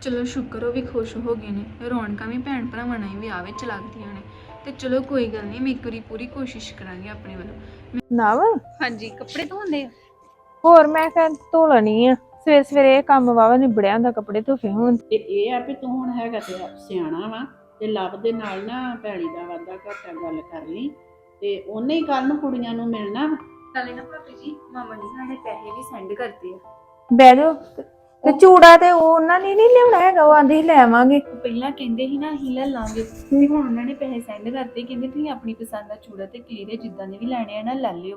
ਚਲੋ ਸ਼ੁਕਰ ਉਹ ਵੀ ਖੁਸ਼ ਹੋ ਗਏ ਨੇ। ਰੌਣਕਾਂ ਵੀ ਭੈਣ ਭਰਾਵਾਂ ਨਾਲ ਹੀ ਵਿਆਹ ਵਿੱਚ ਲੱਗਦੀਆਂ ਨੇ। ਤੇ ਚਲੋ ਕੋਈ ਗੱਲ ਨਹੀਂ, ਮੈਂ ਇੱਕ ਵਾਰੀ ਪੂਰੀ ਕੋਸ਼ਿਸ਼ ਕਰਾਂਗੀ ਆਪਣੇ ਵੱਲੋਂ। ਨਾ ਵਾ ਹਾਂਜੀ, ਕੱਪੜੇ ਧੋਂਦੇ ਆ। ਹੋਰ ਮੈਂ ਕਿਹਾ ਧੋ ਲੈਣੀ ਆ। ਸਵੇਰੇ ਸਵੇਰੇ ਇਹ ਕੰਮ ਵਾਵਾ ਨਿਬੜਿਆ ਹੁੰਦਾ, ਕੱਪੜੇ ਧੋਫੇ ਹੁਣ। ਤੇ ਇਹ ਆ ਵੀ ਤੂੰ ਹੁਣ ਹੈਗਾ ਤੇ ਸਿਆਣਾ ਵਾ ਤੇ ਲਵ ਦੇ ਨਾਲ ਨਾ ਭੈੜੀ ਦਾ ਵਾਦਾ ਘਾਟਾ ਗੱਲ ਕਰ ਲਈ ਤੇ ਉਹਨੇ ਹੀ ਕੱਲ ਨੂੰ ਕੁੜੀਆਂ ਨੂੰ ਮਿਲਣਾ ਵਾ। ਨਾਲੇ ਨਾ ਭਾਬੀ ਜੀ, ਮਾਮਾ ਜੀ ਸਾਡੇ ਪੈਸੇ ਵੀ ਸੈਂਡ ਕਰਤੇ ਆ। ਬਹਿ ਜਾਓ। ਤੇ ਚੂੜਾ ਤੇ ਉਹ ਉਹਨਾਂ ਨੇ ਨਹੀਂ ਲਿਆਉਣਾ ਹੈਗਾ, ਉਹ ਆਂਦੇ ਹੀ ਲੈ ਆਵਾਂਗੇ। ਪਹਿਲਾਂ ਕਹਿੰਦੇ ਸੀ ਨਾ ਅਸੀਂ ਲੈ ਲਾਂਗੇ, ਤੇ ਹੁਣ ਉਹਨਾਂ ਨੇ ਪੈਸੇ ਸੈਂਡ ਕਰਤੇ। ਕਹਿੰਦੇ ਤੁਸੀਂ ਆਪਣੀ ਪਸੰਦ ਦਾ ਚੂੜਾ ਤੇ ਕਲੀਰੇ ਜਿੱਦਾਂ ਦੇ ਵੀ ਲੈਣੇ ਆ ਨਾ ਲੈ ਲਿਓ।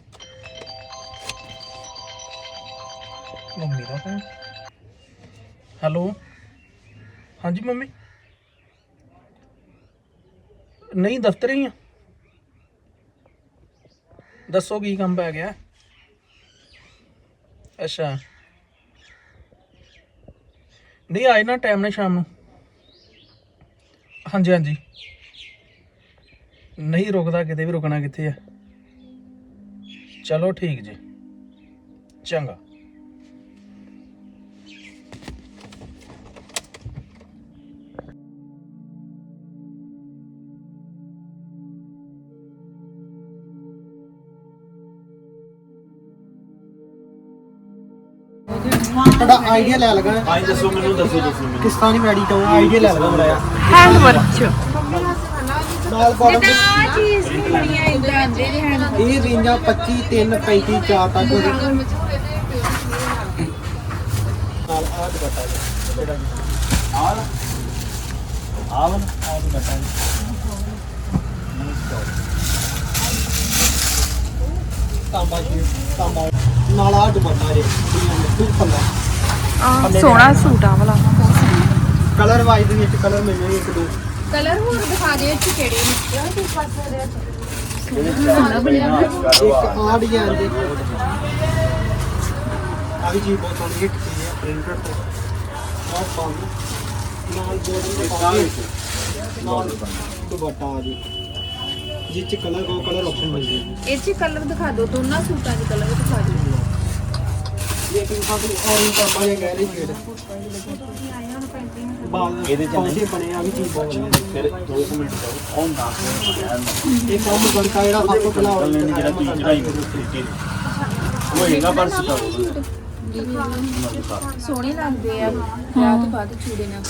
ਮੰਮੀ ਦਾ ਫੋਨ। ਹੈਲੋ, ਹਾਂਜੀ ਮੰਮੀ। ਨਹੀਂ ਦਫ਼ਤਰ ਹੀ ਆ। ਦੱਸੋ ਕੀ ਕੰਮ ਪੈ ਗਿਆ? ਅੱਛਾ, ਨਹੀਂ ਆਏ ਨਾ ਟਾਈਮ ਨਾਲ ਸ਼ਾਮ ਨੂੰ। ਹਾਂਜੀ ਹਾਂਜੀ, ਨਹੀਂ ਰੁਕਦਾ ਕਿਤੇ ਵੀ, ਰੁਕਣਾ ਕਿੱਥੇ ਆ। ਚਲੋ ਠੀਕ ਜੀ, ਚੰਗਾ। ਤੁਹਾਡਾ ਆਈਡੀਆ ਲੈ ਲਗਾ। ਆਈ ਦੱਸੋ ਮੈਨੂੰ ਮੈਨੂੰ ਕਿਸਤਾਨੀ ਮੈਡੀ ਤੋਂ ਆਈਡੀਆ ਲੈ ਲਗਾ ਬੜਾ ਹੈਂਡ ਵਰਕ ਨਾਲ ਬਾਟਮ ਆ ਚੀਜ਼ ਨਹੀਂ ਬਣੀਆਂ ਇਦਾਂ ਦੇ ਹਨ। ਇਹ ਰੇਂਜਾਂ 25 3 35 4 ਤੱਕ ਨਾਲ ਆ ਦੁਪੱਟਾ ਜੀ ਆਵਨ ਆ ਦੁਪੱਟਾ ਜੀ ਤਾਂਬਾ ਨਾਲ ਆ ਦੁਪੱਟਾ ਜੀ ਬਿਲਕੁਲ ਪੱਲਾ ਸੋਹਣਾ ਸੂਟ ਆ ਵਾਲਾ। ਕਲਰ ਵਾਈਜ਼ ਦੇ ਵਿੱਚ ਕਲਰ ਮਿਲ ਜਾਣਗੇ ਇੱਕ ਦੋ। ਕਲਰ ਹੋਰ ਦਿਖਾ ਦਿਓ ਇੱਥੇ ਕਿਹੜੇ ਨੇ। ਇੱਕ ਆ ਡਿਜ਼ਾਈਨ ਦੇ ਆ ਵੀ ਜੀ ਬਹੁਤ ਸੋਹਣੀ ਹਿੱਟ ਚੀਜ਼ ਹੈ ਪ੍ਰਿੰਟਡ ਤੇ ਬਹੁਤ ਪਾਉਂਦੇ ਨਾਲ ਬੋਰਡਰ ਦੇ ਪਾਉਂਦੇ ਨਾਲ ਦੁਪੱਟਾ ਆ ਜੀ ਜਿਸ ਚ ਕਲਰ ਕੋ ਕਲਰ ਆਪਸ਼ਨ ਮਿਲ ਜਾਏ। ਇਹ ਚ ਕਲਰ ਦਿਖਾ ਦਿਓ, ਦੋਨਾਂ ਸੂਟਾਂ ਦੇ ਕਲਰ ਦਿਖਾ ਦਿਓ। ਇਹ ਕਿ ਸਾਨੂੰ ਆਨ ਕਰਮਾ ਜਾਂ ਗੈਰੀ ਸ਼ੇਡ ਬਾਲ ਇਹਦੇ ਚ ਪੌਂਚੇ ਬਣੇ ਆ ਵੀ ਚੀਜ਼ ਬਹੁਤ ਵਧੀਆ। ਫਿਰ 2 ਮਿੰਟ ਜਾਓ ਔਨ ਨਾ ਇਹ ਕੰਮ ਵਰਕਾ ਜਿਹੜਾ ਸਭ ਤੋਂ ਪਹਿਲਾਂ ਗੱਲ ਨਹੀਂ ਜਿਹੜਾ ਤੁਸੀਂ ਚੜਾਈ ਹੋਏਗਾ ਪਰ ਸੁਤਾ ਸੋਹਣੇ ਲੱਗਦੇ ਆ ਵਿਆਹ ਤੋਂ ਬਾਅਦ ਚੂੜੇ ਨਾਲ।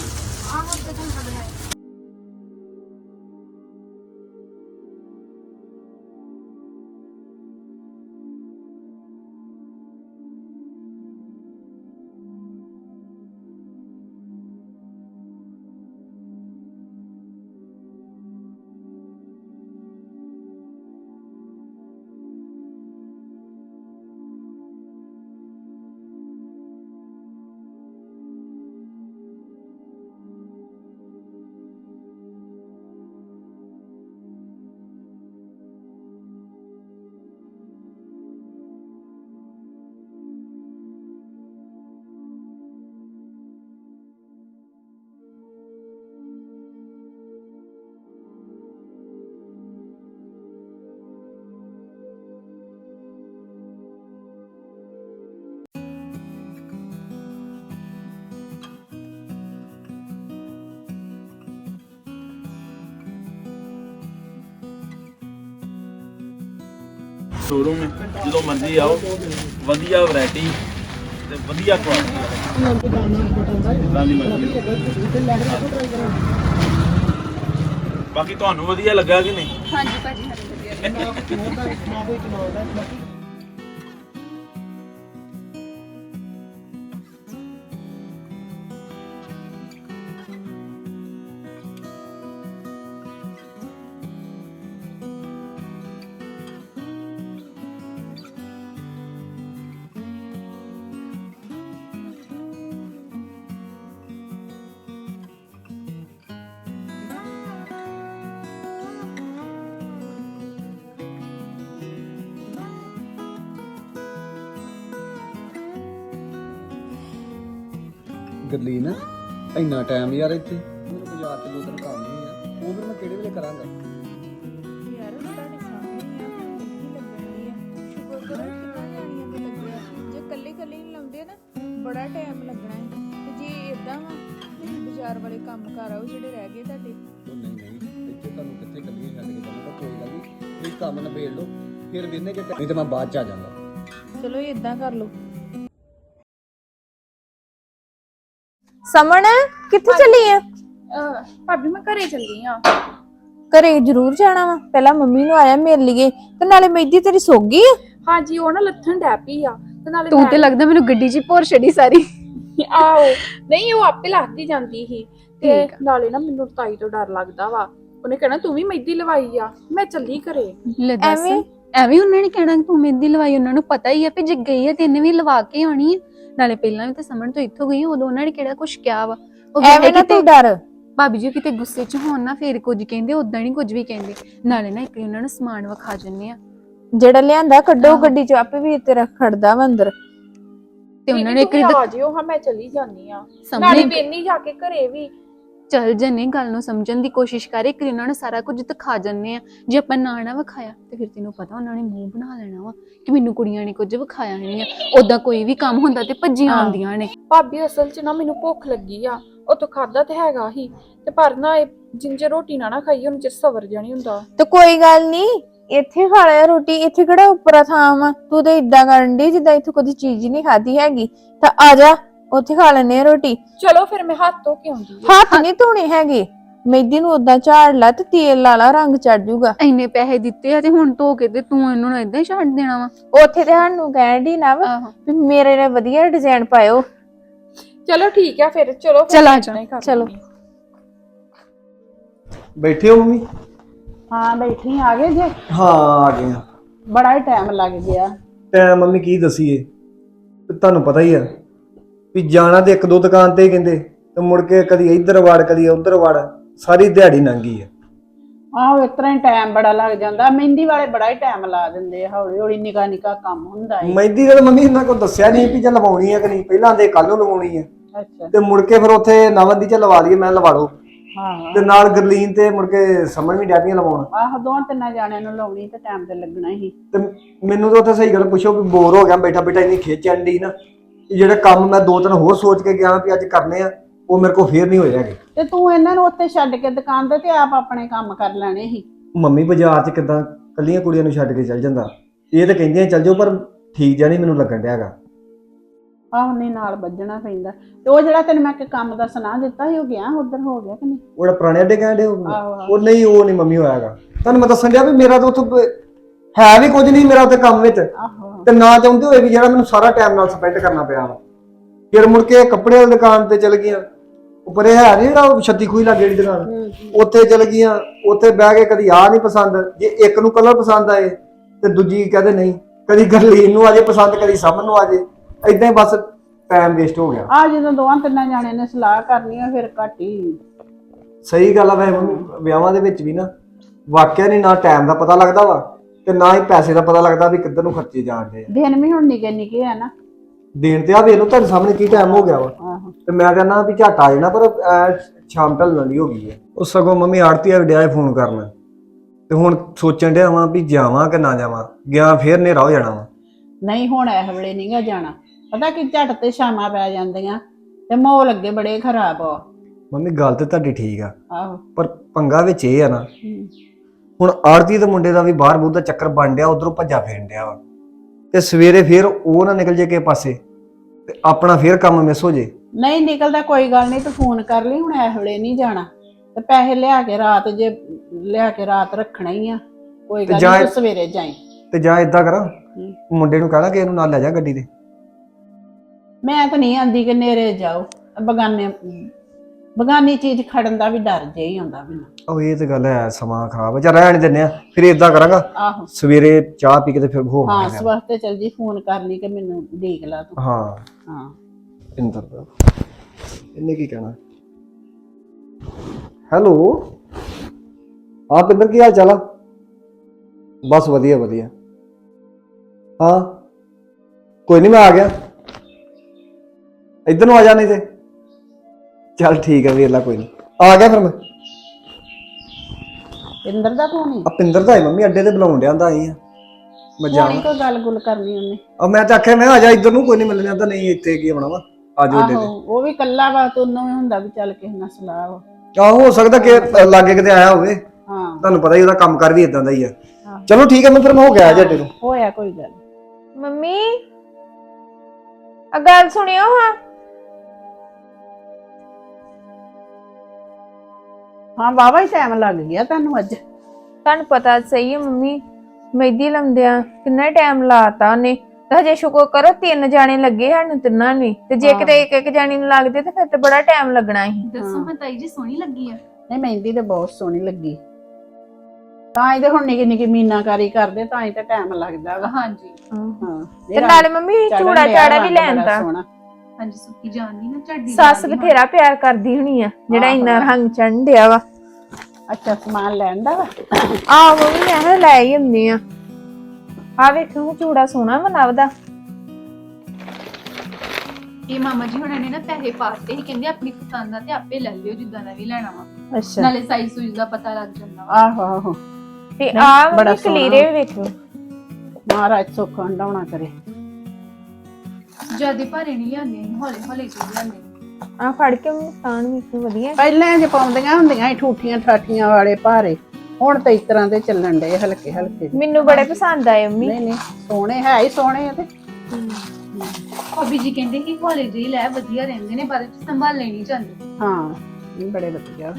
ਸ਼ੋਰੂਮ ਹੈ, ਜਦੋਂ ਮਰਜ਼ੀ ਆਓ। ਵਧੀਆ ਵੈਰਾਈਟੀ ਤੇ ਵਧੀਆ ਕੁਆਲਿਟੀ ਜਿੱਦਾਂ ਦੀ ਮਰਜ਼ੀ। ਬਾਕੀ ਤੁਹਾਨੂੰ ਵਧੀਆ ਲੱਗਾ ਕਿ ਨਹੀਂ? ਹਾਂਜੀ ਭਾਜੀ, ਹਾਂਜੀ ਵਧੀਆ। ਗੱਲੀ ਨਾ ਇੰਨਾ ਟਾਈਮ ਯਾਰ ਇੱਥੇ ਮੈਨੂੰ ਬਾਜ਼ਾਰ ਤੇ ਦੋ ਦਿਨ ਕੰਮ ਨਹੀਂ ਆ ਉਹ ਫਿਰ ਮੈਂ ਕਿਹੜੇ ਵੇਲੇ ਕਰਾਂਗਾ। ਯਾਰ ਤੁਹਾਡੇ ਸਾਹਮਣੇ ਹੀ ਆ ਕਿੰਨੀ ਲੱਗਣੀ ਆ। ਸ਼ੁਕਰ ਕਰੋ ਕਿੰਨਾ ਜਾਣੀਆਂ ਦੇ ਲੱਗਿਆ। ਜੇ ਕੱਲੇ ਕੱਲੇ ਨਹੀਂ ਲਾਉਂਦੇ ਨਾ ਬੜਾ ਟਾਈਮ ਲੱਗਣਾ ਹੈ। ਤੇ ਜੇ ਇਦਾਂ ਰਿਸ਼ਤੇਦਾਰ ਵਾਲੇ ਕੰਮ ਕਰ ਆਓ ਜਿਹੜੇ ਰਹਿ ਗਏ ਤੁਹਾਡੇ। ਉਹ ਨਹੀਂ ਨਹੀਂ, ਇੱਥੇ ਤੁਹਾਨੂੰ ਕਿੱਥੇ ਕੱਲੀਆਂ ਛੱਡ ਕੇ ਜਾਣਾ, ਕੋਈ ਗੱਲ ਨਹੀਂ, ਤੁਸੀਂ ਕੰਮ ਨਿਬੇੜ ਲਓ, ਫਿਰ ਵੇਨੇ ਕਿ ਨਹੀਂ ਤੇ ਮੈਂ ਬਾਅਦ ਚ ਆ ਜਾਵਾਂਗਾ। ਚਲੋ ਇਦਾਂ ਕਰ ਲਓ। ਸਮਣ ਕਿੱਥੇ ਚੱਲੀ ਆ? ਭਾਬੀ ਮੈਂ ਘਰੇ ਚੱਲੀ ਆ। ਘਰੇ ਜ਼ਰੂਰ ਜਾਣਾ ਵਾ, ਪਹਿਲਾਂ ਮੰਮੀ ਨੂੰ ਆਇਆ ਮਿਲ ਲਈਏ, ਤੇ ਨਾਲੇ ਮਹਿੰਦੀ ਤੇਰੀ ਸੁੱਕ ਗਈ ਆ? ਹਾਂਜੀ ਉਹ ਨਾ ਲੱਥਣ ਡੈ ਪਈ ਆ ਤੇ ਨਾਲੇ ਤੂੰ ਤੇ ਲੱਗਦਾ ਮੈਨੂੰ ਗੱਡੀ 'ਚ ਹੀ ਭੋਰ ਛੱਡੀ ਸਾਰੀ। ਆਓ ਨਹੀਂ ਉਹ ਆਪੇ ਲੱਥਦੀ ਜਾਂਦੀ ਸੀ ਤੇ ਨਾਲੇ ਨਾ ਮੈਨੂੰ ਤਾਈ ਤੋਂ ਡਰ ਲੱਗਦਾ ਵਾ, ਉਹਨੇ ਕਹਿਣਾ ਤੂੰ ਵੀ ਮਹਿੰਦੀ ਲਵਾਈ ਆ। ਮੈਂ ਚੱਲੀ ਘਰੇ। ਲੈ ਦੱਸ, ਐਵੇਂ? ਐਵੇਂ ਉਹਨਾਂ ਨੇ ਕਹਿਣਾ ਕਿ ਤੂੰ ਮਹਿੰਦੀ ਲਵਾਈ, ਉਹਨਾਂ ਨੂੰ ਪਤਾ ਹੀ ਆ ਵੀ ਜੇ ਗਈ ਆ ਤੈਨੂੰ ਵੀ ਲਵਾ ਕੇ ਆਉਣੀ ਆ। ਨਾਲੇ ਪਹਿਲਾਂ ਵੀ ਤਾਂ ਸਮਣ ਤੋਂ ਇੱਥੋਂ ਗਈ, ਉਦੋਂ ਉਹਨਾਂ ਨੇ ਕਿਹੜਾ ਕੁਝ ਕਿਹਾ ਵਾ। ਉਹ ਐਵੇਂ ਨਾ ਤੂੰ ਡਰ। ਭਾਬੀ ਜੀ ਕਿਤੇ ਗੁੱਸੇ 'ਚ ਹੋਣ ਨਾ ਫੇਰ ਕੁਝ ਕਹਿੰਦੇ, ਉਦਾਂ ਨਹੀਂ ਕੁਝ ਵੀ ਕਹਿੰਦੇ। ਨਾਲੇ ਨਾ ਇੱਕ ਵਾਰੀ ਉਹਨਾਂ ਨੂੰ ਸਮਾਨ ਵਿਖਾ ਜੰਨੇ ਆ ਜਿਹੜਾ ਲਿਆਂਦਾ ਕੱਢੋ ਗੱਡੀ ਚ, ਆਪੇ ਵੀ ਤੇਰਾ ਖੜਦਾ ਵਾ ਅੰਦਰ। ਤੇ ਉਹਨਾਂ ਨੇ ਇੱਕ ਵਾਰੀ ਆ ਜਿਓ। ਹਾਂ ਮੈਂ ਚੱਲੀ ਜਾਂਦੀ ਆ, ਨਾਲੇ ਸਾਹਮਣੇ ਵੇਨੀ ਜਾ ਕੇ ਘਰੇ ਵੀ। ਚੱਲ ਜੰਨੇ, ਗੱਲ ਨੂੰ ਸਮਝਣ ਦੀ ਕੋਸ਼ਿਸ਼ ਕਰ। ਇੱਕ ਵਾਰੀ ਉਹਨਾਂ ਨੂੰ ਸਾਰਾ ਕੁਝ ਦਿਖਾ ਜੰਨੇ ਆ। ਜੇ ਆਪਾਂ ਨਾ ਵਿਖਾਇਆ ਤੇ ਫਿਰ ਤੈਨੂੰ ਪਤਾ ਉਹਨਾਂ ਨੇ ਮੂੰਹ ਬਣਾ ਲੈਣਾ ਵਾ ਕਿ ਮੈਨੂੰ ਕੁੜੀਆਂ ਨੇ ਕੁਝ ਵਿਖਾਇਆ ਨਹੀਂ ਆ। ਉਦਾਂ ਕੋਈ ਵੀ ਕੰਮ ਹੁੰਦਾ ਤੇ ਭੱਜੀਆਂ ਆਉਂਦੀਆਂ ਨੇ। ਭਾਬੀ ਅਸਲ 'ਚ ਨਾ ਮੈਨੂੰ ਭੁੱਖ ਲੱਗੀ ਆ, ਉਤੋਂ ਖਾਦਾ ਤੇ ਹੈਗਾ ਹੀ ਤੇ ਪਰ ਨਾ ਇਹ ਜਿੰਜੇ ਰੋਟੀ ਨਾ ਖਾਈ ਉਹਨੂੰ ਚਿਰ ਸਵਰ ਜਾਣੀ ਹੁੰਦਾ। ਤੇ ਕੋਈ ਗੱਲ ਨਹੀਂ, ਇੱਥੇ ਖਾ ਲਿਆ ਰੋਟੀ, ਇੱਥੇ ਕਿਹੜਾ ਉੱਪਰਾ ਥਾਂ ਵਾ। ਤੂੰ ਤੇ ਇਦਾਂ ਕਰਨ ਦੀ ਜਿੱਦਾਂ ਇੱਥੇ ਕੋਈ ਚੀਜ਼ ਹੀ ਨਹੀਂ ਖਾਧੀ ਹੈਗੀ। ਤਾਂ ਆ ਜਾ ਉੱਥੇ ਖਾ ਲੈਨੇ ਆ ਰੋਟੀ। ਚਲੋ ਫਿਰ ਮੈਂ ਹੱਥ ਧੋ ਕੇ ਆਉਂਦੀ ਆ। ਹੱਥ ਨਹੀਂ ਧੋਣੇ ਹੈਗੇ, ਮਹਿੰਦੀ ਨੂੰ ਉਦਾਂ ਝਾੜ ਲਾ ਤੇ ਤੇਲ ਲਾ ਲਾ, ਰੰਗ ਚੜ ਜੂਗਾ। ਇੰਨੇ ਪੈਸੇ ਦਿੱਤੇ ਆ ਤੇ ਹੁਣ ਧੋ ਕੇ ਤੇ ਤੂੰ ਇਹਨੂੰ ਏਦਾਂ ਹੀ ਛੱਡ ਦੇਣਾ ਵਾ। ਉੱਥੇ ਤੇ ਸਾਨੂੰ ਕਹਿਣ ਦੀ ਨਾ ਵਾ ਆਹੋ ਵੀ ਮੇਰੇ ਨਾਲ ਵਧੀਆ ਡਿਜ਼ਾਈਨ ਪਾਇਓ। ਚਲੋ ਠੀਕ ਆ ਫਿਰ, ਚਲੋ ਫਿਰ ਚਲ ਆ ਮੈਂ ਜਾ, ਏਦਾਂ ਹੀ ਕਰ ਚਲੋ। ਲੈਂਦੀ ਆ। ਬੈਠੇ ਹੋ ਮੰਮੀ? ਹਾਂ ਬੈਠੀ, ਆ ਗਏ ਜੇ? ਹਾਂ ਆ ਗਏ ਆ। ਬੜਾ ਹੀ ਟਾਈਮ ਲੱਗ ਗਿਆ। ਟਾਈਮ ਮੰਮੀ ਕੀ ਦਸੀਏ, ਤੁਹਾਨੂੰ ਪਤਾ ਹੀ ਆ ਵੀ ਜਾਣਾ ਤੇ ਇੱਕ ਦੋ ਦੁਕਾਨ ਤੇ ਹੀ ਕਹਿੰਦੇ, ਤੇ ਮੁੜ ਕੇ ਕਦੀ ਇੱਧਰ ਵੜ ਕਦੀ ਉੱਧਰ ਵੜ, ਸਾਰੀ ਦਿਹਾੜੀ ਲੰਘੀ ਆ। ਆਹੋ ਇਸ ਤਰ੍ਹਾਂ ਹੀ ਟਾਈਮ ਬੜਾ ਲੱਗ ਜਾਂਦਾ। ਮਹਿੰਦੀ ਵਾਲੇ ਬੜਾ ਹੀ ਟਾਈਮ ਲਾ ਦਿੰਦੇ ਆ, ਹੌਲੀ ਹੌਲੀ ਨਿੱਕਾ ਨਿੱਕਾ ਕੰਮ ਹੁੰਦਾ ਹੈ। ਮਹਿੰਦੀ ਦਾ ਮੰਮੀ ਇਹਨਾਂ ਕੋਲ ਦੱਸਿਆ ਨਹੀਂ ਵੀ ਜੇ ਲਵਾਉਣੀ ਆ ਕਿ ਨਹੀਂ, ਪਹਿਲਾਂ ਦੇ ਕੱਲ ਨੂੰ ਲਵਾਉਣੀ ਆ ਅੱਛਾ ਤੇ ਮੁੜ ਕੇ ਫਿਰ ਉੱਥੇ ਨਵਨ ਦੀ ਚ ਲਵਾ ਲਈਏ, ਮੈਂ ਲਵਾ ਲਓ ਹਾਂ ਤੇ ਨਾਲ ਗਰਲੀਨ ਤੇ ਮੁੜ ਕੇ ਸਮਝ ਵੀ ਡੈਪੀਆਂ ਲਵਾਉਣ। ਆਹ ਦੋਵਾਂ ਤਿੰਨਾਂ ਜਾਣਿਆਂ ਨੂੰ ਲਾਉਣੀ ਤੇ ਟਾਈਮ ਤੇ ਲੱਗਣਾ ਹੀ। ਤੇ ਮੈਨੂੰ ਤਾਂ ਉੱਥੇ ਸਹੀ ਗੱਲ ਪੁੱਛੋ ਵੀ ਬੋਰ ਹੋ ਗਿਆ ਬੈਠਾ ਬੈਠਾ, ਇੰਨੀ ਖਿੱਚ ਆਂਦੀ ਨਾ। ਜਿਹੜੇ ਕੰਮ ਮੈਂ ਦੋ ਤਿੰਨ ਹੋਰ ਸੋਚ ਕੇ ਗਿਆ ਵੀ ਅੱਜ ਕਰਨੇ ਆ, ਉਹ ਮੇਰੇ ਕੋਲ ਫੇਰ ਨਹੀਂ ਹੋਏ ਹੈਗੇ। ਤੇ ਤੂੰ ਇਹਨਾਂ ਨੂੰ ਉੱਥੇ ਛੱਡ ਕੇ ਦੁਕਾਨ ਤੇ ਆਪ ਆਪਣੇ ਕੰਮ ਕਰ ਲੈਣੇ ਸੀ। ਮੰਮੀ ਬਾਜ਼ਾਰ 'ਚ ਕਿੱਦਾਂ ਕੱਲੀਆਂ ਕੁੜੀਆਂ ਨੂੰ ਛੱਡ ਕੇ ਚੱਲ ਜਾਂਦਾ? ਇਹ ਤਾਂ ਕਹਿੰਦੀਆਂ ਚੱਲ ਜਾਓ, ਪਰ ਠੀਕ ਜਿਹਾ ਨਹੀਂ ਮੈਨੂੰ ਲੱਗਣ ਡਿਆ ਹੈਗਾ। ਆਹ ਨਹੀਂ ਨਾਲ ਵੱਜਣਾ ਪੈਂਦਾ। ਤੇ ਉਹ ਜਿਹੜਾ ਤੈਨੂੰ ਮੈਂ ਇੱਕ ਕੰਮ ਦਾ ਸੁਣਾ ਦਿੱਤਾ ਸੀ, ਉਹ ਗਿਆ ਉਧਰ ਹੋ ਗਿਆ ਕਿ ਨਹੀਂ? ਉਹ ਜਿਹੜਾ ਪੁਰਾਣੇ ਅੱਡੇ ਕਹਿੰਦੇ ਆਹੋ, ਉਹ ਨਹੀਂ, ਉਹ ਨਹੀਂ ਮੰਮੀ ਹੋਇਆਗਾ। ਤੁਹਾਨੂੰ ਮੈਂ ਦੱਸਣ ਡਿਆ ਵੀ ਮੇਰਾ ਤਾਂ ਉੱਥੇ ਹੈ ਵੀ ਕੁਝ ਨਹੀਂ ਮੇਰਾ ਉੱਥੇ ਕੰਮ ਵਿੱਚ, ਆਹੋ ਤੇ ਨਾ ਚਾਹੁੰਦੇ ਹੋਏ ਵੀ ਜਿਹੜਾ ਮੈਨੂੰ ਸਾਰਾ ਟਾਈਮ ਨਾਲ ਸਪੈਂਡ ਕਰਨਾ ਪਿਆ ਵਾ। ਫਿਰ ਮੁੜ ਕੇ ਕੱਪੜੇ ਵਾਲੀ ਦੁਕਾਨ ਤੇ ਚਲ ਗਈਆਂ, ਉੱਪਰੇ ਹੈ ਨਹੀਂ ਜਿਹੜਾ ਛੱਤੀ ਖੂਹੀ ਲੱਗ ਜਿਹੜੀ ਦੁਕਾਨ, ਉੱਥੇ ਚਲ ਗਈਆਂ। ਉੱਥੇ ਬਹਿ ਕੇ ਕਦੀ ਆਹ ਨਹੀਂ ਪਸੰਦ, ਜੇ ਇੱਕ ਨੂੰ ਕਲਰ ਪਸੰਦ ਆਏ ਤੇ ਦੂਜੀ ਕਹਿੰਦੇ ਨਹੀਂ, ਕਦੀ ਗਰਲੀਨ ਨੂੰ ਆਜੇ ਪਸੰਦ, ਕਦੀ ਸਮਨ ਨੂੰ ਆਜੇ, ਏਦਾਂ ਹੀ ਬਸ ਟਾਈਮ ਵੇਸਟ ਹੋ ਗਿਆ। ਆ ਜਦੋਂ ਦੋਵਾਂ ਤਿੰਨਾਂ ਜਾਣਿਆਂ ਨੇ ਸਲਾਹ ਕਰਨੀ ਆ ਫਿਰ ਘੱਟ ਹੀ। ਸਹੀ ਗੱਲ ਆ ਵੈਸੇ ਮੰਮੀ, ਵਿਆਹਾਂ ਦੇ ਵਿੱਚ ਵੀ ਨਾ ਵਾਕਿਆ ਨਹੀਂ ਨਾ ਟਾਈਮ ਦਾ ਪਤਾ ਲੱਗਦਾ ਵਾ ਤੇ ਨਾ ਹੀ ਪੈਸੇ ਦਾ ਪਤਾ ਲੱਗਦਾ ਵੀ ਕਿੱਧਰ ਨੂੰ ਖਰਚੇ ਜਾਣਦੇ ਆ। ਦਿਨ ਵੀ ਹੁਣ ਨਿੱਕੇ ਨਿੱਕੇ ਆ ਨਾ। ਦੇਣ ਤੇ ਆ ਵੇਖ ਲਓ ਤੁਹਾਡੇ ਸਾਹਮਣੇ ਕੀ ਟਾਈਮ ਹੋ ਗਿਆ ਵਾ, ਆਹੋ ਤੇ ਮੈਂ ਕਹਿੰਦਾ ਵੀ ਝੱਟ ਆ ਜਾਣਾ, ਪਰ ਸ਼ਾਮ ਢਲਣ ਦੀ ਹੋ ਗਈ ਹੈ। ਉਹ ਸਗੋਂ ਮੰਮੀ ਆੜਤੀ ਆ ਡਿਆ ਫੋਨ ਕਰਨ, ਤੇ ਹੁਣ ਸੋਚਣ ਡਿਆ ਵਾਂ ਵੀ ਜਾਵਾਂ ਕਿ ਨਾ ਜਾਵਾਂ। ਗਿਆ ਫੇਰ ਹਨੇਰਾ ਹੋ ਜਾਣਾ ਵਾ। ਨਹੀਂ ਹੁਣ ਇਹ ਵੇਲੇ ਨਹੀਂਗਾ ਜਾਣਾ, ਪਤਾ ਕਿ ਝੱਟ ਤੇ ਸ਼ਾਮਾਂ ਪੈ ਜਾਂਦੀਆਂ ਤੇ ਮਾਹੌਲ ਅੱਗੇ ਬੜੇ ਖਰਾਬ ਆ। ਮੰਮੀ ਗੱਲ ਤੇ ਤੁਹਾਡੀ ਠੀਕ ਆ, ਆਹੋ ਪਰ ਪੰਗਾ ਵਿੱਚ ਇਹ ਆ ਨਾ, ਹੁਣ ਆੜਤੀ ਦੇ ਮੁੰਡੇ ਦਾ ਵੀ ਬਾਹਰ ਬੂਹ ਦਾ ਚੱਕਰ ਬਣ ਡਿਆ, ਉਧਰੋਂ ਭੱਜਾ ਫੇਰਨ ਡਿਆ ਵਾ, ਤੇ ਸਵੇਰੇ ਫੇਰ ਉਹ ਨਾ ਨਿਕਲ ਜੇ ਕਿਸੇ ਪਾਸੇ ਤੇ ਆਪਣਾ ਫੇਰ ਕੰਮ ਮਿਸ ਹੋ ਜੇ। ਨਹੀਂ ਨਿਕਲਦਾ, ਕੋਈ ਗੱਲ ਨਹੀਂ, ਤੂੰ ਫੋਨ ਕਰ ਲਈ। ਹੁਣ ਇਹ ਵੇਲੇ ਨਹੀਂ ਜਾਣਾ ਤੇ ਪੈਸੇ ਲਿਆ ਕੇ ਰਾਤ, ਜੇ ਲਿਆ ਕੇ ਰਾਤ ਰੱਖਣਾ ਹੀ ਆ, ਕੋਈ ਗੱਲ ਨਹੀਂ, ਤੂੰ ਸਵੇਰੇ ਜਾਈਂ। ਤੇ ਜਾਂ ਏਦਾਂ ਕਰਾਂ, ਮੁੰਡੇ ਨੂੰ ਕਹਿਣਾ ਕਿ ਇਹਨੂੰ ਨਾਲ ਲੈ ਜਾ ਗੱਡੀ ਤੇ। ਮੈਂ ਤਾਂ ਨਹੀਂ ਆਂਦੀ ਕਿ ਨੇਰੇ ਜਾਓ, ਬਗਾਨੀ ਚੀਜ਼ ਖੜਨ ਦਾ ਵੀ ਡਰ ਜੇ ਹੀ ਆਉਂਦਾ ਮੈਨੂੰ। ਉਹ ਇਹ ਤੇ ਗੱਲ ਹੈ, ਸਮਾਂ ਖਰਾਬ ਹੈ। ਚੱਲ ਰਹਿਣ ਦਿੰਦੇ ਆ, ਫਿਰ ਏਦਾਂ ਕਰਾਂਗਾ ਆਹੋ ਸਵੇਰੇ ਚਾਹ ਪੀ ਕੇ ਤੇ ਫਿਰ ਹਾਂ ਹੋਵਾਂਗੇ। ਸਵੇਰ ਤੇ ਚੱਲ ਜੀ, ਫੋਨ ਕਰ ਲਈ ਕਿ ਮੈਨੂੰ ਦੇਖ ਲਾ ਤੂੰ। ਹਾਂ ਹਾਂ ਇੰਦਰ ਦਾ ਇਹਨੇ ਕੀ ਕਹਿਣਾ। ਹੈਲੋ ਹਾਂ ਪਿੰਦਰ, ਕੀ ਹਾਲ ਚਾਲ ਆ? ਬਸ ਵਧੀਆ ਵਧੀਆ। ਹਾਂ ਕੋਈ ਨਹੀਂ, ਮੈਂ ਆ ਗਿਆ। ਇੱਧਰ ਨੂੰ ਆ ਜਾ, ਨਹੀਂ ਤੇ ਚੱਲ ਠੀਕ ਹੈ ਵੀਰ ਲਾ, ਕੋਈ ਨਹੀਂ ਆ ਗਿਆ ਫਿਰ ਮੈਂ। ਇੰਦਰ ਦਾ ਫੋਨ ਹੀ ਆ ਪਿੰਦਰ ਦਾ ਹੈ ਮੰਮੀ, ਅੱਡੇ ਤੇ ਬੁਲਾਉਣ ਡਿਆ, ਆਈ ਆ ਮੈਂ ਹੋਣੀ, ਜਾਣਾ। ਕੋਈ ਗੱਲ ਗੁੱਲ ਕਰਨੀ ਉਹਨੇ। ਆ ਮੈਂ ਤਾਂ ਆਖਿਆ ਮੈਂ ਆ ਜਾ ਇੱਧਰ ਨੂੰ, ਕੋਈ ਨਹੀਂ ਮਿਲਣਾ ਤਾਂ ਨਹੀਂ, ਇੱਥੇ ਕੀ ਬਣਾਵਾ, ਅੱਜ ਉਹ ਦੇ ਆਹੋ ਉਹ ਵੀ ਕੱਲਾ ਵਾ ਤੇ ਉਹਨੂੰ ਵੀ ਹੁੰਦਾ ਵੀ ਚੱਲ ਕਿਸੇ ਨਾਲ ਸਲਾਹ ਵਾ। ਆਹੋ ਹੋ ਸਕਦਾ ਕਿ ਲਾਗੇ ਕਿਤੇ ਆਇਆ ਹੋਵੇ, ਹਾਂ ਤੁਹਾਨੂੰ ਪਤਾ ਹੀ ਉਹਦਾ ਕੰਮ ਕਰ ਵੀ ਇਦਾਂ ਦਾ ਹੀ ਆ। ਆਹੋ। ਚਲੋ ਠੀਕ ਹੈ, ਮੈਂ ਫਿਰ ਮੈਂ ਹੋ ਗਿਆ ਜੱਡੇ ਨੂੰ। ਹੋਇਆ ਕੋਈ ਗੱਲ। ਮੰਮੀ ਆ ਗੱਲ ਸੁਣਿਓ ਹਾਂ। ਹਾਂ ਵਾਵਾ ਹੀ ਟਾਈਮ ਲੱਗ ਗਿਆ ਤੁਹਾਨੂੰ ਅੱਜ। ਤੁਹਾਨੂੰ ਪਤਾ ਸਹੀ ਹੈ ਮੰਮੀ, ਮਹਿੰਦੀ ਲਾਉਂਦਿਆਂ ਕਿੰਨਾ ਟਾਈਮ ਲਾਤਾ ਉਹਨੇ। ਤੇ ਹਜੇ ਸ਼ੁਕਰ ਕਰੋ 3 ਜਾਣੇ ਲੱਗੇ ਸਾਨੂੰ ਤਿੰਨਾਂ ਨੂੰ, ਤੇ ਜੇ ਕਿਤੇ ਇੱਕ ਜਾਣੀ ਨੂੰ ਲੱਗਦੇ ਤੇ ਫਿਰ ਤੇ ਬੜਾ ਟਾਈਮ ਲੱਗਣਾ ਸੀ। ਦੱਸੋ ਹਾਂ ਤਾਈ ਜੀ ਸੋਹਣੀ ਲੱਗੀ ਆ? ਨਹੀਂ ਮਹਿੰਦੀ ਤੇ ਬਹੁਤ ਸੋਹਣੀ ਲੱਗੀ, ਤਾਂ ਇਹਦੇ ਹੁਣ ਨਿੱਕੀ ਨਿੱਕੀ ਮੀਨਾਕਾਰੀ ਕਰਦੇ ਤਾਂ ਹੀ ਤਾਂ ਟਾਈਮ ਲੱਗਦਾ ਵਾ। ਹਾਂਜੀ ਹਾਂ ਤੇ ਨਾਲੇ ਮੰਮੀ ਚੂੜਾ ਚਾੜਾ ਵੀ ਲੈਣ ਦਾ। ਹਾਂਜੀ ਸੁੱਕੀ ਜਾਣੀ ਨਾ ਝਾੜੀ ਸੱਸ ਬਥੇਰਾ ਪਿਆਰ ਕਰਦੀ ਹੋਣੀ ਆ ਜਿਹੜਾ ਇੰਨਾ ਰੰਗ ਚੜ੍ਹਨ ਡਿਆ ਵਾ। ਅੱਛਾ ਸਮਾਨ ਲੈਣ ਦਾ ਵਾ। ਆਹ ਮੰਮੀ ਮੈਂ ਕਿਹਾ ਲੈ ਹੀ ਹੁੰਦੀ ਆ। ਆ ਵੇਖੋ ਚੂੜਾ ਸੋਹਣਾ ਵਾ ਨਵ ਦਾ। ਇਹ ਮਾਮਾ ਜੀ ਹੁਣਾਂ ਨੇ ਨਾ ਪੈਸੇ ਪਾਤੇ ਹੀ, ਕਹਿੰਦੇ ਆਪਣੀ ਪਸੰਦ ਦਾ ਤੇ ਆਪੇ ਲੈ ਲਿਓ ਜਿੱਦਾਂ ਦਾ ਵੀ ਲੈਣਾ ਵਾ। ਅੱਛਾ ਨਾਲੇ ਸਾਈਜ਼ ਸੂਈਜ਼ ਦਾ ਪਤਾ ਲੱਗ ਜਾਂਦਾ ਵਾ। ਆਹੋ ਆਹੋ ਤੇ ਨਹੀਂ, ਆ ਬੜਾ ਮੰਮੀ ਕਲੀਰੇ ਵੀ ਵੇਖੋ। ਮਹਾਰਾਜ ਸੁੱਖ ਹੰਡਾਉਣਾ ਕਰੇ। ਜਿਆਦੇ ਭਾਰੇ ਨਹੀਂ ਲਿਆਂਦੇ, ਹੌਲੇ ਹੌਲੇ ਚੀਜ਼ ਲਿਆਂਦੇ। ਆ ਫੜ ਕੇ ਮੁਸਤਾਨ ਵੀ ਵਧੀਆ। ਪਹਿਲਾਂ ਜੇ ਪਾਉਂਦੀਆਂ ਹੁੰਦੀਆਂ ਠੂਠੀਆਂ ਠਾਠੀਆਂ ਵਾਲੇ ਭਾਰੇ, ਹੁਣ ਤਾਂ ਇਸ ਤਰ੍ਹਾਂ ਦੇ ਚੱਲਣ ਡੇ ਹਲਕੇ ਹਲਕੇ। ਮੈਨੂੰ ਬੜੇ ਪਸੰਦ ਆਏ ਮੰਮੀ। ਨਹੀਂ ਨਹੀਂ ਸੋਹਣੇ ਹੈ ਹੀ ਸੋਹਣੇ ਆ ਤੇ। ਭਾਬੀ ਜੀ ਕਹਿੰਦੇ ਕਿ ਹੌਲੇ ਜਿਹੀ ਲੈ ਵਧੀਆ ਰਹਿੰਦੇ ਨੇ, ਬਾਅਦ ਵਿੱਚ ਸੰਭਾਲ ਲੈਣੀ ਜਾਂਦੇ। ਹਾਂ ਇਹ ਬੜੇ ਵਧੀਆ।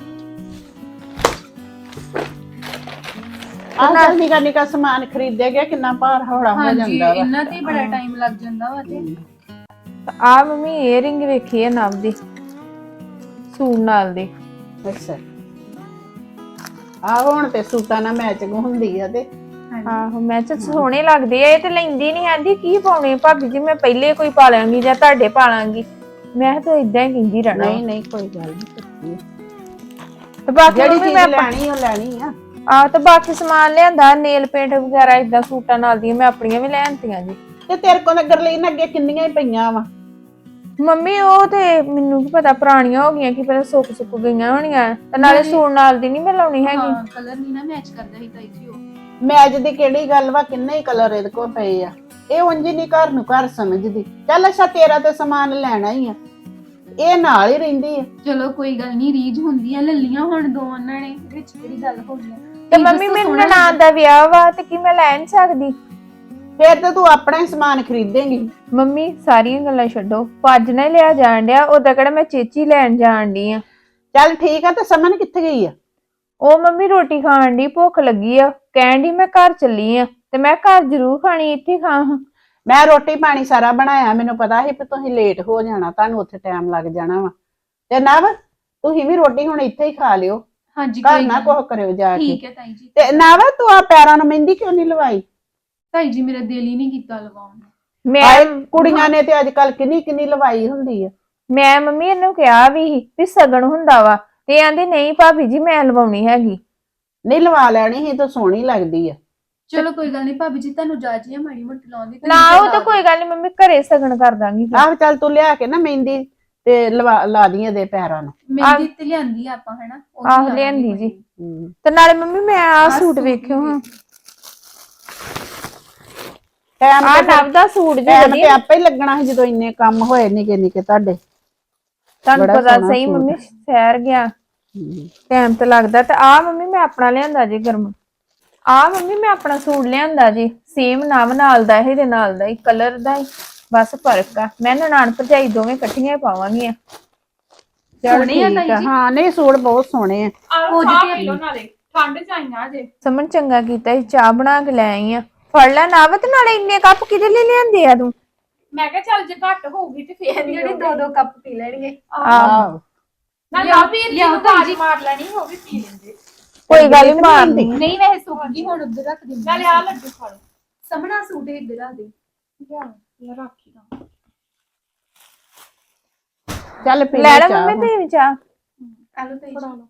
ਆਹ ਨਿੱਕਾ ਨਿੱਕਾ ਸਮਾਨ ਖਰੀਦਿਆ ਗਿਆ, ਕਿੰਨਾ ਭਾਰ ਹੌਲਾ ਹੋ ਹਾਂਜੀ ਜਾਂਦਾ ਵਾ। ਇਹਨਾਂ ਤੇ ਬੜਾ ਟਾਈਮ ਲੱਗ ਜਾਂਦਾ ਵਾ। ਤੇ ਆ ਮੰਮੀ ਏਅਰਿੰਗ ਵੇਖੀ ਹੈ ਨਵ ਦੀ ਸੂਟ ਨਾਲ ਦੀ। ਅੱਛਾ ਆਹ ਹੁਣ ਤੇ ਸੂਟਾਂ ਨਾਲ ਮੈਚਿੰਗ ਹੁੰਦੀ ਆ ਤੇ। ਆਹੋ ਮੈਂ ਤਾਂ ਸੋਹਣੇ ਲੱਗਦੇ ਆ। ਇਹ ਤੇ ਲੈਂਦੀ ਨਹੀਂ ਆਂਦੀ ਕੀ ਪਾਉਣੇ ਭਾਬੀ ਜੀ, ਮੈਂ ਪਹਿਲੇ ਕੋਈ ਪਾ ਲਾਂਗੀ ਜਾਂ ਤੁਹਾਡੇ ਪਾ ਲਾਂਗੀ। ਮੈਂ ਤਾਂ ਇਦਾਂ ਹੀ ਕਹਿੰਦੀ ਰਹਿਣਾ। ਨਹੀਂ ਨਹੀਂ ਕੋਈ ਗੱਲ ਨਹੀਂ, ਤੇ ਬਾਕੀ ਜਿਹੜੀ ਮੰਮੀ ਚੀਜ਼ ਮੈਂ ਲੈਣੀ ਉਹ ਲੈਣੀ ਆ। ਤੇ ਬਾਕੀ ਸਮਾਨ ਲਿਆਂਦਾ, ਨੇਲ ਪੇਂਟ ਵਗੈਰਾ ਇਦਾਂ ਸੂਟਾਂ ਨਾਲ ਦੀਆਂ ਮੈਂ ਆਪਣੀਆਂ ਵੀ ਲੈ ਆਂਦੀਆਂ ਜੀ। ਤੇ ਤੇਰੇ ਕੋਲ ਨਗਰ ਲਈ ਅੱਗੇ ਕਿੰਨੀਆਂ ਹੀ ਪਈਆਂ ਵਾ। ਮੰਮੀ ਉਹ ਤੇ ਮੈਨੂੰ ਕੀ ਪਤਾ ਪੁਰਾਣੀਆਂ ਹੋ ਗਈਆਂ, ਕਿ ਪਹਿਲਾਂ ਸੁੱਕ ਗਈਆਂ ਹੋਣੀਆਂ। ਤੇ ਨਾਲੇ ਸੂਟ ਨਾਲ ਦੀ ਨਹੀਂ ਮੈਂ ਲਾਉਣੀ ਹੈਗੀ। ਹਾਂ ਕਲਰ ਨਹੀਂ ਨਾ ਮੈਚ ਕਰਦਾ ਸੀ ਤਾਈ ਜੀ ਉਹ। ਮੈਚ ਦੀ ਕਿਹੜੀ ਗੱਲ ਵਾ, ਕਿੰਨੇ ਹੀ ਕਲਰ ਇਹਦੇ ਕੋਲ ਪਏ ਆ। ਇਹ ਉਂਝ ਨਹੀਂ ਘਰ ਨੂੰ ਘਰ ਸਮਝਦੀ। ਚੱਲ ਅੱਛਾ ਤੇਰਾ ਤੇ ਸਮਾਨ ਲੈਣਾ ਹੀ ਆ, ਇਹ ਨਾਲ ਹੀ ਰਹਿੰਦੀ ਆ। ਚਲੋ ਕੋਈ ਗੱਲ ਨਹੀਂ, ਰੀਝ ਹੁੰਦੀ ਆ, ਲੱਲੀਆਂ ਹੁਣ ਦੋ ਉਹਨਾਂ ਨੇ, ਵਿੱਚ ਕਿਹੜੀ ਗੱਲ ਹੋ ਗਈ। ਤੇ ਮੰਮੀ ਮੇਰੇ ਨਨਾਣ ਦਾ ਵਿਆਹ ਵਾ ਤੇ ਕੀ ਮੈਂ ਲੈ ਨਹੀਂ ਸਕਦੀ? ਫੇਰ ਤੇ ਤੂੰ ਆਪਣਾ ਹੀ ਸਮਾਨ ਖਰੀਦੇਂਗੀ। ਮੰਮੀ ਸਾਰੀਆਂ ਗੱਲਾਂ ਛੱਡੋ, ਭੱਜ ਨਾ ਲਿਆ ਜਾਣ ਡਿਆ। ਉਦਾਂ ਕਿਹੜਾ ਮੈਂ ਚੇਚੀ ਲੈਣ ਜਾਣ ਡਈ ਆ। ਚੱਲ ਠੀਕ ਆ, ਤੇ ਸਮਨ ਕਿੱਥੇ ਗਈ ਆ? ਉਹ ਮੰਮੀ ਰੋਟੀ ਖਾਣ ਦੀ ਭੁੱਖ ਲੱਗੀ ਆ, ਕਹਿਣ ਦੀ ਮੈਂ ਘਰ ਚੱਲੀ ਆ। ਤੇ ਮੈਂ ਘਰ ਜ਼ਰੂਰ ਖਾਣੀ, ਇੱਥੇ ਖਾ ਹਾਂ। ਮੈਂ ਰੋਟੀ ਪਾਣੀ ਸਾਰਾ ਬਣਾਇਆ, ਮੈਨੂੰ ਪਤਾ ਸੀ ਕਿ ਤੁਸੀਂ ਲੇਟ ਹੋ ਜਾਣਾ, ਤੁਹਾਨੂੰ ਉੱਥੇ ਟਾਈਮ ਲੱਗ ਜਾਣਾ ਵਾ। ਤੇ ਨਵ ਤੁਸੀਂ ਵੀ ਰੋਟੀ ਹੁਣ ਇੱਥੇ ਹੀ ਖਾ ਲਿਓ। ਹਾਂਜੀ ਘਰ ਨਾ ਕੁਝ ਕਰਿਓ ਜਾ ਕੇ। ਠੀਕ ਹੈ ਤਾਈ ਜੀ। ਤੇ ਨਵ ਤੂੰ ਆ ਪੈਰਾਂ ਨੂੰ ਮਹਿੰਦੀ ਕਿਉਂ ਨਹੀਂ ਲਵਾਈ? ਤਾਈ ਜੀ ਮੇਰਾ ਦਿਲ ਹੀ ਨਹੀਂ ਕੀਤਾ ਲਵਾਉਣ ਨੂੰ। ਮੈਂ ਕੁੜੀਆਂ ਨੇ ਤੇ ਅੱਜ ਕੱਲ ਕਿੰਨੀ ਲਵਾਈ ਹੁੰਦੀ ਆ। ਮੈਂ ਮੰਮੀ ਇਹਨੂੰ ਕਿਹਾ ਵੀ ਸਗਨ ਹੁੰਦਾ ਵਾ, ਤੇ ਆਂਦੀ ਨਹੀਂ ਭਾਬੀ ਜੀ ਮੈਂ ਲਵਾਉਣੀ ਹੈਗੀ। ਨਹੀਂ ਲਵਾ ਲੈਣੀ ਸੀ ਤਾਂ ਸੋਹਣੀ ਲੱਗਦੀ ਆ। ਚਲੋ ਕੋਈ ਗੱਲ ਨਹੀਂ ਭਾਬੀ ਜੀ, ਤੁਹਾਨੂੰ ਜਾਜੀ ਆ ਮਾੜੀ ਮੋਟੀ ਲਾਉਣ ਦੀ। ਨਾ ਉਹ ਤਾਂ ਕੋਈ ਗੱਲ ਨਹੀਂ ਮੰਮੀ, ਘਰੇ ਸਗਨ ਕਰ ਦਾਂਗੀ। ਆਹ ਚੱਲ ਤੂੰ ਲਿਆ ਕੇ ਨਾ ਮਹਿੰਦੀ ਤੇ ਲਾ ਦੀ ਇਹਦੇ ਪੈਰਾਂ ਨੂੰ। ਮਹਿੰਦੀ ਤੇ ਲਿਆਂਦੀ ਆਪਾਂ ਹਨਾ। ਆਹ ਲਿਆਂਦੀ ਜੀ। ਤੇ ਨਾਲੇ ਮੰਮੀ ਮੈਂ ਆ ਸੂਟ ਵੇਖਿਓ ਹਾਂ। ਟਾਈਮ ਆ ਨਵ ਦਾ ਸੂਟ ਜੀ ਤੇ ਵਧੀਆ। ਆਪੇ ਹੀ ਲੱਗਣਾ ਸੀ ਜਦੋਂ ਇੰਨੇ ਕੰਮ ਹੋਏ ਨਿੱਕੇ ਨਿੱਕੇ ਤੁਹਾਡੇ। ਤੁਹਾਨੂੰ ਬੜਾ ਪਤਾ ਸੋਹਣਾ ਸਹੀ ਸੂਟ। ਮੰਮੀ ਸੈਰ ਗਿਆ ਟਾਈਮ ਤੇ ਲੱਗਦਾ। ਤੇ ਆ ਮੰਮੀ ਮੈਂ ਆਪਣਾ ਲਿਆਂਦਾ ਜੀ ਗਰਮ। ਆ ਮੰਮੀ ਮੈਂ ਆਪਣਾ ਸੂਟ ਲਿਆਂਦਾ ਜੀ, ਸੇਮ ਨਵ ਨਾਲ ਦਾ, ਇਹਦੇ ਨਾਲ ਦਾ ਹੀ ਕਲਰ ਦਾ ਹੀ, ਬਸ ਫਰਕ ਆ। ਮੈਂ ਨਨਾਣ ਭਰਜਾਈ ਦੋਵੇਂ ਇਕੱਠੀਆਂ ਹੀ ਪਾਵਾਂਗੀਆਂ। ਸੋਹਣੇ ਆ ਤਾਈ ਜੀ। ਹਾਂ ਨਹੀਂ ਸੂਟ ਬਹੁਤ ਸੋਹਣੇ ਆ। ਆਹ ਚਾਹ ਪੀ ਲਓ ਨਾਲੇ, ਠੰਡ ਚ ਆਈਆਂ ਜੇ। ਸਮਨ ਚੰਗਾ ਕੀਤਾ ਸੀ, ਚਾਹ ਬਣਾ ਕੇ ਲੈ ਆਈ ਆ। ਫੜ ਲੈ ਨਵ, ਤੇ ਨਾਲੇ ਇੰਨੇ ਕੱਪ ਕਿਹਦੇ ਲਈ ਲਿਆਂਦੇ ਆ ਤੂੰ? ਮੈਂ ਕਿਹਾ ਚੱਲ ਜੇ ਘੱਟ ਹੋਊਗੀ ਤੇ ਫੇਰ ਜਿਹੜੇ ਦੋ ਕੱਪ ਪੀ ਲੈਣਗੇ। ਆਹ ਨਾ ਵੀਰ ਜੀ ਨੂੰ ਬਾਜ ਮਾਰ ਲੈਣੀ, ਉਹ ਵੀ ਪੀ ਲੈਂਦੇ। ਕੋਈ ਗੱਲ ਨਹੀਂ ਮਾਰਨੀ। ਨਹੀਂ ਵੈਸੇ ਸੁੱਕ ਗਈ, ਹੁਣ ਉੱਧਰ ਰੱਖ ਦਿੰਦੀ। ਨਾਲੇ ਆ ਲੱਡੂ ਖਾ ਲਓ। ਸਮਣਾ ਸੂਟ ਇੱਧਰ ਆ ਦੇ। ਯਾਰ ਰੱਖੀ ਨਾ। ਚੱਲ ਪੀ ਲੈ ਲੈ ਚਾਹ ਮੰਮੀ ਤੇ ਚਾਹ। ਆਲੋ ਤਾਈ ਜੀ।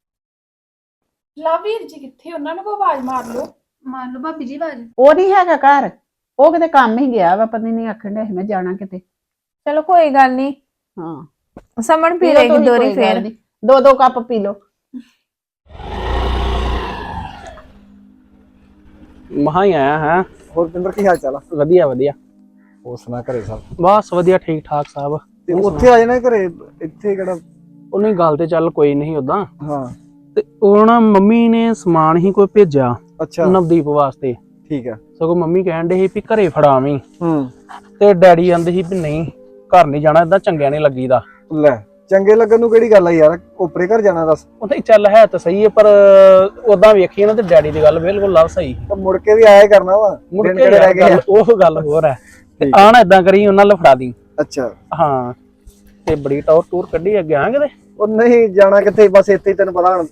ਲਾ ਵੀਰ ਜੀ ਕਿੱਥੇ, ਉਹਨਾਂ ਨੂੰ ਕੋਈ ਆਵਾਜ਼ ਮਾਰ ਲਓ। ਮਾਰ ਲਓ ਭਾਬੀ ਜੀ ਆਵਾਜ਼। ਉਹ ਨਹੀਂ ਹੈਗਾ ਘਰ, ਉਹ ਕਿਤੇ ਕੰਮ ਹੀ ਗਿਆ ਵਾ, ਪਤਾ ਨਹੀਂ ਆਖਣ ਡਿਆ ਸੀ ਮੈਂ ਜਾਣਾ ਕਿਤੇ। ਚਲੋ ਕੋਈ ਗੱਲ ਨਹੀਂ, ਹਾਂ ਸਮਣ ਪੀ ਪੀ ਲਓ ਲੇਗੀ ਤੁਸੀਂ, ਦੋਰੀ ਕੋਈ ਗੱਲ ਫੇਰ। ਨੀ। ਦੋ ਕੱਪ ਪੀ ਲਓ। ਮਹਾ ਹੀ ਆਇਆ ਹੈ। ਹੋਰ ਪਿੰਦਰ ਕੀ ਹਾਲ ਚਾਲ ਆ? ਵਧੀਆ ਵਧੀਆ। ਹੋਰ ਸੁਣਾ ਘਰੇ ਸਭ? ਬਸ ਵਧੀਆ ਠੀਕ ਠਾਕ ਸਾਹਿਬ। ਤੇ ਉੱਥੇ ਆ ਜਾਣਾ ਘਰੇ, ਇੱਥੇ ਕਿਹੜਾ। ਉਹਨੇ ਗੱਲ ਤੇ ਚੱਲ ਕੋਈ ਨਹੀਂ ਉਦਾਂ, ਹਾਂ ਤੇ ਉਹ ਨਾ ਮੰਮੀ ਨੇ ਸਮਾਨ ਹੀ ਕੋਈ ਭੇਜਿਆ ਅੱਛਾ ਨਵਦੀਪ ਵਾਸਤੇ। ਠੀਕ ਆ। ਸਗੋਂ ਮੰਮੀ ਕਹਿਣ ਦੇ ਸੀ ਵੀ ਘਰੇ ਫੜਾਵੀਂ, ਹੂੰ ਤੇ ਡੈਡੀ ਕਹਿੰਦੇ ਸੀ ਵੀ ਨਹੀਂ ਘਰ ਨਹੀਂ ਜਾਣਾ, ਏਦਾਂ ਚੰਗਿਆ ਨਹੀਂ ਲੱਗੀਦਾ। ਲੈ ਚੰਗੇ ਲੱਗਣ ਨੂੰ ਕਿਹੜੀ ਗੱਲ ਆ ਯਾਰ, ਓਪਰੇ ਘਰ ਜਾਣਾ ਦੱਸ। ਉਹ ਤਾਂ ਚੱਲ ਹੈ ਤਾਂ ਸਹੀ ਹੈ, ਪਰ ਉਦਾਂ ਵੇਖੀਏ ਨਾ ਤੇ ਡੈਡੀ ਦੀ ਗੱਲ ਬਿਲਕੁਲ ਲੱਭ ਸਹੀ। ਤਾਂ ਮੁੜ ਕੇ ਵੀ ਆਇਆ ਹੀ ਕਰਨਾ ਵਾ, ਮੁੜ ਦਿਨ ਕੇ ਕਿਹੜੇ ਰਹਿ ਗਏ ਆ। ਉਹ ਗੱਲ ਹੋਰ ਹੈ। ਤੇ ਠੀਕ ਆ ਨਾ ਏਦਾਂ ਕਰੀ ਉਹਨਾਂ ਨਾਲ ਫੜਾ ਦੀ। ਅੱਛਾ ਹਾਂ ਤੇ ਬੜੀ ਟੂਰ ਕੱਢੀ ਅੱਗੇ ਆ ਕਿਤੇ। ਉਹ ਨਹੀਂ ਜਾਣਾ ਕਿੱਥੇ, ਬਸ ਇੱਥੇ ਹੀ ਤੈਨੂੰ ਪਤਾ ਹੁਣ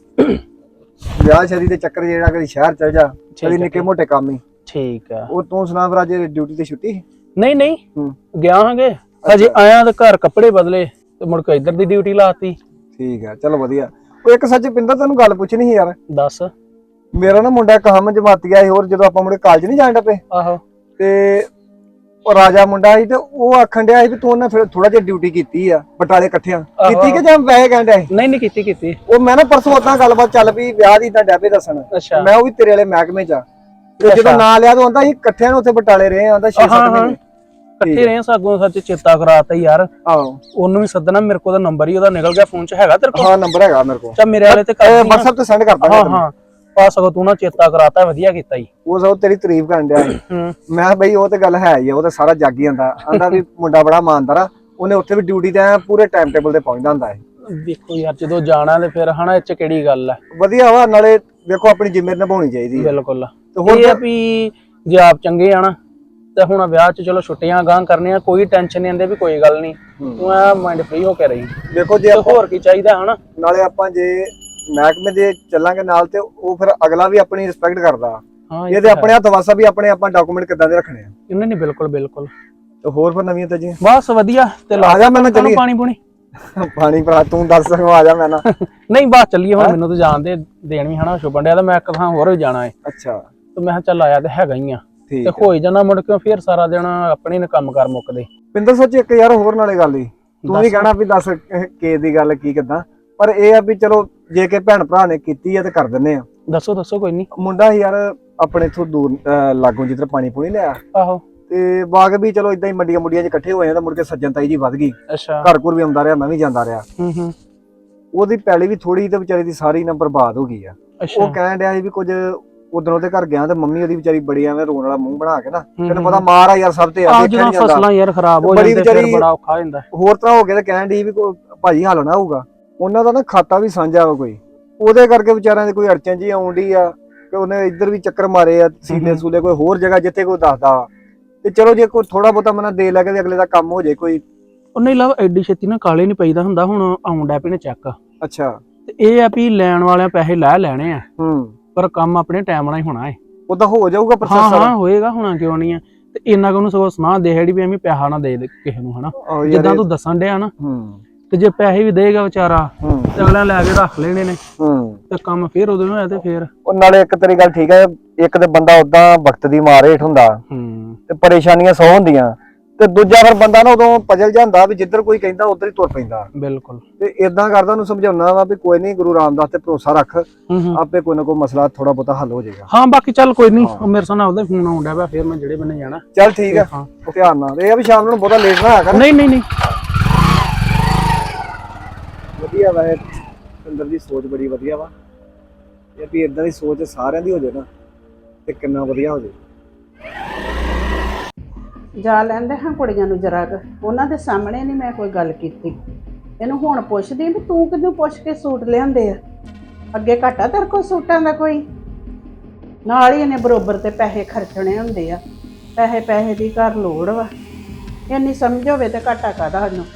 ਵਿਆਹ ਸ਼ਾਦੀ ਦੇ ਚੱਕਰ ਜਿਹੜਾ ਕਦੀ ਸ਼ਹਿਰ ਚਲ ਜਾ, ਕਦੀ ਨਿੱਕੇ ਮੋਟੇ ਕੰਮ ਹੀ। ਠੀਕ ਆ। ਉਹ ਤੂੰ ਸੁਣਾ ਫਿਰ, ਅੱਜ ਡਿਊਟੀ ਤੇ ਛੁੱਟੀ? ਨਹੀਂ ਨਹੀਂ ਹੂੰ ਗਿਆ ਹਾਂਗੇ, ਹਜੇ ਆਇਆ ਤੇ ਘਰ ਕੱਪੜੇ ਬਦਲੇ ਤੇ ਮੁੜ ਕੇ ਇੱਧਰ ਦੀ ਡਿਊਟੀ ਲਾਤੀ। ਠੀਕ ਆ ਚਲੋ ਵਧੀਆ। ਉਹ ਇੱਕ ਸੱਚ ਪਿੰਦਰ ਤੈਨੂੰ ਗੱਲ ਪੁੱਛਣੀ ਸੀ ਯਾਰ। ਦੱਸ। ਮੇਰਾ ਨਾ ਮੁੰਡਾ ਕਹਾਮ ਜਮਾਤੀਆ ਸੀ, ਹੋਰ ਜਦੋਂ ਆਪਾਂ ਮੁੰਡੇ ਕਾਲਜ ਨਹੀਂ ਜਾਣ ਡੱਪੇ ਆਹੋ ਤੇ ਉਹ ਰਾਜਾ ਮੁੰਡਾ ਸੀ, ਤੇ ਉਹ ਆਖਣ ਡਿਆ ਸੀ ਵੀ ਤੂੰ ਉਹਨਾਂ ਫਿਰ ਥੋੜਾ ਜਿਹਾ ਡਿਊਟੀ ਕੀਤੀ ਆ ਬਟਾਲੇ ਇਕੱਠਿਆਂ ਕੀਤੀ ਕਿ ਜਾਂ ਵੈਸੇ ਕਹਿਣ ਡਿਆ ਸੀ? ਨਹੀਂ ਨਹੀਂ ਕੀਤੀ। ਉਹ ਮੈਂ ਨਾ ਪਰਸੋਂ ਉਦਾਂ ਗੱਲਬਾਤ ਚੱਲ ਪਈ ਵਿਆਹ ਦੀ, ਤਾਂ ਡੈਬੇ ਦੱਸਣ ਅੱਛਾ ਮੈਂ ਉਹ ਵੀ ਤੇਰੇ ਵਾਲੇ ਮਹਿਕਮੇ ਚ ਆ, ਤੇ ਜਦੋਂ ਨਾਂ ਲਿਆ ਤਾਂ ਆਂਦਾ ਅਸੀਂ ਇਕੱਠਿਆਂ ਨੂੰ ਉੱਥੇ ਬਟਾਲੇ ਰਹੇ ਆਂਦਾ 6-7 ਮਹੀਨੇ ਇਕੱਠੇ ਰਹੇ ਸਾਗੋਂ, ਸੱਚ ਚੇਤਾ ਕਰਾਤਾ ਯਾਰ। ਆਹੋ ਉਹਨੂੰ ਵੀ ਸੱਦਣਾ, ਮੇਰੇ ਕੋਲ ਦਾ ਨੰਬਰ ਹੀ ਉਹਦਾ ਨਿਕਲ ਗਿਆ ਫੋਨ 'ਚ, ਹੈਗਾ ਤੇਰੇ ਕੋਲ? ਹਾਂ ਨੰਬਰ ਹੈਗਾ ਮੇਰੇ ਕੋਲ, ਚਾ ਮੇਰੇ ਵਾਲੇ ਤੇ ਕਰ ਦਿੰਦੀ ਆ। WhatsApp ਤੇ ਸੈਂਡ ਕਰ ਦਾਂਗਾ। ਹਾਂ ਪਾ ਸਗੋਂ ਤੂੰ ਨਾ ਚੇਤਾ ਕਰਾਤਾ, ਵਧੀਆ ਕੀਤਾ ਜੀ। ਉਹ ਸਭ ਤੇਰੀ ਤਾਰੀਫ ਕਰਨ ਡਿਆ ਸੀ। ਹੂੰ ਮੈਂ ਕਿਹਾ ਬਈ ਉਹ ਤੇ ਗੱਲ ਹੈ ਹੀ ਆ, ਉਹ ਤਾਂ ਸਾਰਾ ਜੱਗ ਹੀ ਆਂਦਾ ਆਂਦਾ ਵੀ ਮੁੰਡਾ ਬੜਾ ਇਮਾਨਦਾਰ ਆ, ਉਹਨੇ ਉੱਥੇ ਵੀ ਡਿਊਟੀ ਤੇ ਐਂ ਪੂਰੇ ਟਾਈਮ ਟੇਬਲ ਤੇ ਪਹੁੰਚਦਾ ਹੁੰਦਾ ਹੈ। ਦੇਖੋ ਯਾਰ ਜਦੋਂ ਜਾਣਾ ਤੇ ਫਿਰ ਹਨਾ, ਇਹ 'ਚ ਕਿਹੜੀ ਗੱਲ ਹੈ। ਵਧੀਆ ਵਾ, ਨਾਲੇ ਵੇਖੋ ਆਪਣੀ ਜ਼ਿੰਮੇਵਾਰੀ ਨਿਭਾਉਣੀ ਚਾਹੀਦੀ ਹੈ। ਬਿਲਕੁਲ। ਤੇ ਹੋਰ ਇਹ ਆ ਵੀ ਜੇ ਆਪ ਚੰਗੇ ਆ ਨਾ ਤੇ ਹੁਣ ਵਿਆਹ 'ਚ ਚਲੋ ਛੁੱਟੀਆਂ ਗਾਂ ਕਰਨੀਆਂ, ਕੋਈ ਟੈਨਸ਼ਨ ਨਹੀਂ ਆਂਦੇ ਵੀ ਕੋਈ ਗੱਲ ਨਹੀਂ, ਤੂੰ ਐ ਮਾਈਂਡ ਫ੍ਰੀ ਹੋ ਕੇ ਰਹੀ। ਦੇਖੋ ਜੇ ਤੇ ਆਪਾਂ ਹੋਰ ਕੀ ਚਾਹੀਦਾ ਹਨਾ। ਨਾਲੇ ਆਪਾਂ ਜੇ ਮਹਿਕਮੇ ਦੇ ਚੱਲਾਂਗੇ ਨਾਲ ਤੇ ਉਹ ਫਿਰ ਅਗਲਾ ਵੀ ਆਪਣੀ ਰਿਸਪੈਕਟ ਕਰਦਾ। ਹਾਂ ਇਹ ਤੇ ਆਪਣੇ ਹੱਥ ਵਾਸਾ ਵੀ ਆਪਣੇ ਆਪਾਂ ਡਾਕੂਮੈਂਟ ਕਿੱਦਾਂ ਦੇ ਰੱਖਣੇ ਆ। ਇਹਨਾਂ ਨੇ ਬਿਲਕੁਲ ਤੇ ਹੋਰ ਫਿਰ ਨਵੀਆਂ ਤੇ ਜੀ ਬਸ ਵਧੀਆ। ਤੇ ਆ ਜਾ ਮੈਨੂੰ ਚੱਲੀਏ ਚੱਲੀਏ। ਪਾਣੀ ਪੂਣੀ। ਪਾਣੀ ਭਰਾ ਤੂੰ ਦੱਸ ਸਕੋ, ਆ ਜਾ ਮੈਂ ਨਾ। ਨਹੀਂ ਬਸ ਚੱਲੀਏ ਹੁਣ, ਮੈਨੂੰ ਤਾਂ ਜਾਣ ਦੇ ਦੇਣ ਵੀ ਹਨਾ ਸ਼ੁਭਨ ਡਿਆ, ਤੇ ਮੈਂ ਇੱਕ ਥਾਂ ਹੋਰ ਵੀ ਜਾਣਾ ਹੈ। ਅੱਛਾ ਤੇ ਮੈਂ ਕਿਹਾ ਚੱਲ ਆਇਆ ਤੇ ਹੈਗਾ ਹੀ ਆ, ਠੀਕ ਤੇ ਹੋਈ ਜਾਣਾ ਮੁੜ ਕੇ ਫਿਰ ਸਾਰਾ ਦਿਨ ਆਪਣੇ ਨੇ ਕੰਮ ਕਰ ਮੁੱਕਦੇ। ਪਿੰਦਰ ਸੱਚ ਇੱਕ ਯਾਰ ਹੋਰ ਨਾਲੇ ਗੱਲ ਹੀ, ਤੂੰ ਵੀ ਕਹਿਣਾ ਵੀ ਦੱਸ ਕੇ ਦੀ ਗੱਲ ਕੀ ਕਿੱਦਾਂ, ਪਰ ਇਹ ਆ ਵੀ ਚਲੋ ਜੇ ਕਿ ਭੈਣ ਭਰਾ ਨੇ ਕੀਤੀ ਆ ਤੇ ਕਰ ਦਿੰਨੇ ਆ। ਦੱਸੋ ਕੋਈ ਨਹੀਂ। ਮੁੰਡਾ ਸੀ ਯਾਰ ਆਪਣੇ ਇਥੋਂ ਦੂਰ ਲਾਗੋਂ ਜਿੱਧਰ ਪਾਣੀ ਪੂਣੀ ਲਿਆ, ਆਹੋ ਤੇ ਬਾਗ ਵੀ ਚਲੋ ਇਦਾਂ ਹੀ ਮੰਡੀਆਂ ਮੁੰਡੀਆਂ 'ਚ ਇਕੱਠੇ ਹੋਏ ਆ, ਤਾਂ ਮੁੜ ਕੇ ਸੱਜਣਤਾਈ ਜੀ ਵੱਧ ਗਈ, ਅੱਛਾ। ਘਰ ਘੁਰ ਵੀ ਆਉਂਦਾ ਰਿਹਾ, ਮੈਂ ਵੀ ਜਾਂਦਾ ਰਿਹਾ। ਹੂੰ ਉਹਦੀ ਪੈਲੀ ਵੀ ਥੋੜੀ ਤੇ ਵਿਚਾਰੀ ਦੀ ਸਾਰੀ ਨਾ ਬਰਬਾਦ ਹੋ ਗਈ ਆ। ਅੱਛਾ। ਉਹ ਕਹਿਣ ਡਿਆ ਸੀ ਵੀ ਕੁਝ ਉਧਰੋਂ ਤੇ ਘਰ ਗਿਆ ਤੇ ਮੰਮੀ ਉਹਦੀ ਵਿਚਾਰੀ ਬੜੀ ਐਵੇਂ ਰੋਣ ਵਾਲਾ ਮੂੰਹ ਬਣਾ ਕੇ ਨਾ, ਤੈਨੂੰ ਪਤਾ ਮਾਰ ਆ ਯਾਰ ਸਭ ਤੇ ਆ, ਦੇਖਿਆ ਜਦੋਂ ਨਹੀਂ ਜਾਂਦਾ। ਫਸਲਾਂ ਯਾਰ ਖਰਾਬ ਹੋ ਬੜੀ ਜਾਂਦੇ ਫਿਰ ਵਿਚਾਰੀ ਬੜਾ ਔਖਾ ਹੋ ਜਾਂਦਾ। ਹੋਰ ਤਰ੍ਹਾਂ ਹੋ ਗਿਆ, ਤੇ ਕਹਿਣ ਦੀ ਵੀ ਭਾਜੀ ਹੱਲ ਨਾ ਹੋਊਗਾ। ਉਹਨਾਂ ਦਾ ਨਾ ਖਾਤਾ ਵੀ ਸਾਂਝਾ ਵਾ ਕੋਈ, ਉਹਦੇ ਕਰਕੇ ਵਿਚਾਰਿਆਂ ਦੀ ਕੋਈ ਅੜਚਨ ਜੀ ਆਉਂਦੀ ਆ ਕਿ ਉਹਨੇ ਇੱਧਰ ਵੀ ਚੱਕਰ ਮਾਰੇ ਆ, ਸੀਲੇ ਸੂਲੇ ਕੋਈ ਹੋਰ ਜਗ੍ਹਾ ਜਿੱਥੇ ਕੋਈ ਦੱਸਦਾ ਵਾ, ਤੇ ਚਲੋ ਜੇ ਕੋਈ ਥੋੜਾ ਬਹੁਤਾ ਮਨਾ ਦੇ ਲੈ ਕੇ ਅਗਲੇ ਦਾ ਕੰਮ ਹੋ ਜੇ ਕੋਈ। ਉਹ ਨਹੀਂ ਲਾ ਐਡੀ ਛੇਤੀ ਨਾ ਕਾਲੇ ਨਹੀਂ ਪਈਦਾ ਹੁੰਦਾ, ਹੁਣ ਆਉਣ ਡੈ ਪਏ ਨੇ ਚੈੱਕ। ਅੱਛਾ। ਤੇ ਇਹ ਆ ਵੀ ਲੈਣ ਵਾਲਿਆਂ ਪੈਸੇ ਲੈ ਲੈਣੇ ਆ, ਪਰ ਕੰਮ ਆਪਣੇ ਟਾਈਮ ਨਾਲ ਹੀ ਹੋਣਾ ਹੈ। ਉਹਦਾ ਹੋ ਜਾਊਗਾ ਪ੍ਰੋਸੈਸ ਹਾਂ ਸਾਰਾ। ਹਾਂ ਹੋਏਗਾ, ਹੋਣਾ ਕਿਉਂ ਨਹੀਂ ਆ। ਤੇ ਇੰਨਾ ਕੁ ਉਹਨੂੰ ਸਗੋਂ ਸੁਣਾ ਦੇ ਹੈੜੀ ਵੀ ਐਵੇਂ ਪੈਸਾ ਨਾ ਦੇ ਕਿਸੇ ਨੂੰ ਹਨਾ, ਜਿੱਦਾਂ ਤੂੰ ਦੱਸਣ ਡਿਆ ਨਾ। ਤੇ ਜੇ ਪੈਸੇ ਵੀ ਦੇਗਾ ਵਿਚਾਰਾ ਤੇ ਅਗਲਿਆਂ ਲੈ ਕੇ ਰੱਖ ਲੈਣੇ ਨੇ, ਤੇ ਕੰਮ ਫੇਰ ਉਦੋਂ ਹੋਇਆ ਤੇ ਫੇਰ। ਉਹ ਨਾਲੇ ਇੱਕ ਤੇਰੀ ਗੱਲ ਠੀਕ ਹੈ, ਇੱਕ ਤੇ ਬੰਦਾ ਉਦਾਂ ਵਕਤ ਦੀ ਮਾਰ ਹੇਠ ਹੁੰਦਾ ਤੇ ਪਰੇਸ਼ਾਨੀਆਂ ਸੌ ਹੁੰਦੀਆਂ, ਤੇ ਦੂਜਾ ਫਿਰ ਬੰਦਾ ਨਾ ਉਦੋਂ ਪਜਲ ਜਾਂਦਾ ਵੀ ਜਿੱਧਰ ਕੋਈ ਕਹਿੰਦਾ ਉਧਰ ਹੀ ਤੁਰ ਪੈਂਦਾ। ਬਿਲਕੁਲ। ਤੇ ਇਦਾਂ ਕਰਦਾ ਉਹਨੂੰ ਸਮਝਾਉਣਾ ਵਾ ਵੀ ਕੋਈ ਨਹੀਂ, ਗੁਰੂ ਰਾਮਦਾਸ ਤੇ ਭਰੋਸਾ ਰੱਖ, ਆਪੇ ਕੋਈ ਨਾ ਕੋਈ ਮਸਲਾ ਥੋੜਾ ਬਹੁਤਾ ਹੱਲ ਹੋ ਜਾਏਗਾ। ਹਾਂ ਬਾਕੀ ਚੱਲ ਕੋਈ ਨਹੀਂ, ਮੇਰੇ ਸਾਹਮਣੇ ਉਹਦਾ ਫੋਨ ਆਉਣ ਡਿਆ ਪਿਆ, ਫੇਰ ਮੈਂ ਜਿਹੜੇ ਬੰਨੇ ਜਾਣਾ। ਚੱਲ ਠੀਕ ਹੈ, ਧਿਆਨ ਨਾਲ। ਇਹ ਆ ਵੀ ਸ਼ਾਮ ਨੂੰ ਬਹੁਤਾ ਲੇਟ ਨਾ ਆਇਆ ਕਰ। ਨਹੀਂ ਵਧੀਆ ਵਾ ਇਹ, ਅੰਦਰ ਦੀ ਸੋਚ ਬੜੀ ਵਧੀਆ ਵਾ। ਇਹ ਵੀ ਇਦਾਂ ਦੀ ਸੋਚ ਸਾਰਿਆਂ ਦੀ ਹੋ ਜਾਏ ਨਾ ਤੇ ਕਿੰਨਾ ਵਧੀਆ ਹੋ ਜਾਏ। ਜਾ ਲੈਂਦੇ ਹਾਂ ਕੁੜੀਆਂ ਨੂੰ ਜਰਾ ਕੁ, ਉਹਨਾਂ ਦੇ ਸਾਹਮਣੇ ਨਹੀਂ ਮੈਂ ਕੋਈ ਗੱਲ ਕੀਤੀ। ਇਹਨੂੰ ਹੁਣ ਪੁੱਛਦੀ ਵੀ ਤੂੰ ਕਿਹਨੂੰ ਪੁੱਛ ਕੇ ਸੂਟ ਲਿਆਂਦੇ ਆ, ਅੱਗੇ ਘਾਟਾ ਤੇਰੇ ਕੋਲ ਸੂਟਾਂ ਦਾ ਕੋਈ? ਨਾਲ ਹੀ ਇਹਨੇ ਬਰੋਬਰ ਤੇ ਪੈਸੇ ਖਰਚਣੇ ਹੁੰਦੇ ਆ, ਪੈਸੇ ਦੀ ਘਰ ਲੋੜ ਵਾ। ਇੰਨੀ ਸਮਝ ਹੋਵੇ ਤੇ ਘਾਟਾ ਕਾਹਦਾ ਸਾਨੂੰ।